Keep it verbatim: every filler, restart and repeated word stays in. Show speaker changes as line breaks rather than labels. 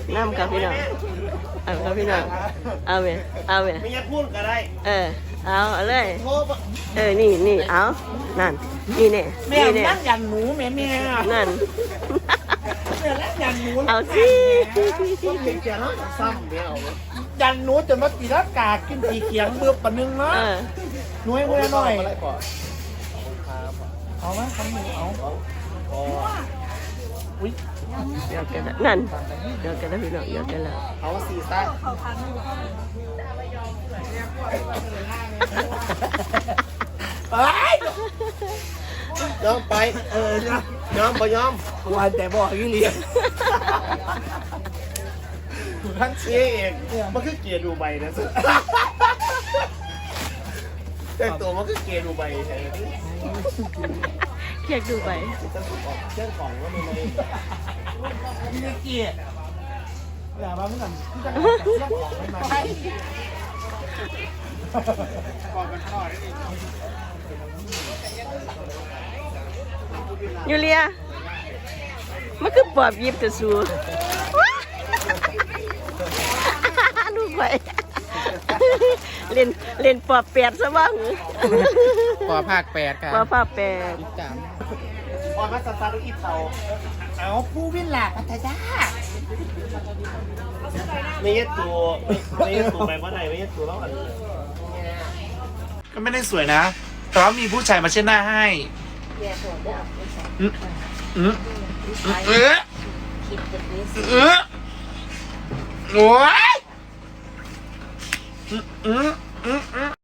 น้ำครับพี่น้องเอาครับพี่น้องเอาไปเอาไป
ไม่อยากพูดก็ได้
เออเอาเอาเลย
โทษ
เออนี่นี่เอานั่นนี่เนี่ย
แม่
นี่เนี่ย
นั่งยันหนูแม่แม่
นั่น
แม่นั่งยันหนู
เอาสิ
ต้องเห็นแก่แล้วซ้ำเดียว
ยันหนูจนมาตีรักกากินตีเขียงเบือบปะนึงเนาะ
เออ
หนูให้เพื่อนหน่อย
อะไรก่อน
เอาไหมทำหนูเอาอุ้ย
เดี๋ยวกันแล้วนั่นเดี๋ยวกันแล้วพี่น้องเดี๋ยวกันแล้ว
เอาสีซ่า
ไป
ยอมไป
เออย
อมไปยอม
วันแต่บอกยี่เลี้ยงท่าน
เอ๊ะมันคือเกียร์ดูใบนะสุดแต่ตัวมันคือเกียร์ดูใบใช่ไหม
เรียกดูไป
เรื่องของว่ามันไม่
พี่เกียร์อย่ามาเมื่อกี้ที่จะเรื่องของไม่มาใช่
ยูเลียมันคือปอบยิบกระสูลูกไปเล่นเล่นปอบแปดซะบ้าง
ปอภาคแปดครับ
ปอบภาคแปด
จาม
พอมาซาซาดูอีเทา
เอาผู้วินหลักพัทยา
ไม่ยัดตัวไม่ยัดตัวไปเมื่อไหร่ไม่ยัดตัวแล้วอัน
ก็ไม่ได้สวยนะ แต่ว่ามีผู้ชายมาเช็ดหน้าให้อืมอืมเออเออโอ้ยอืมอืมอืม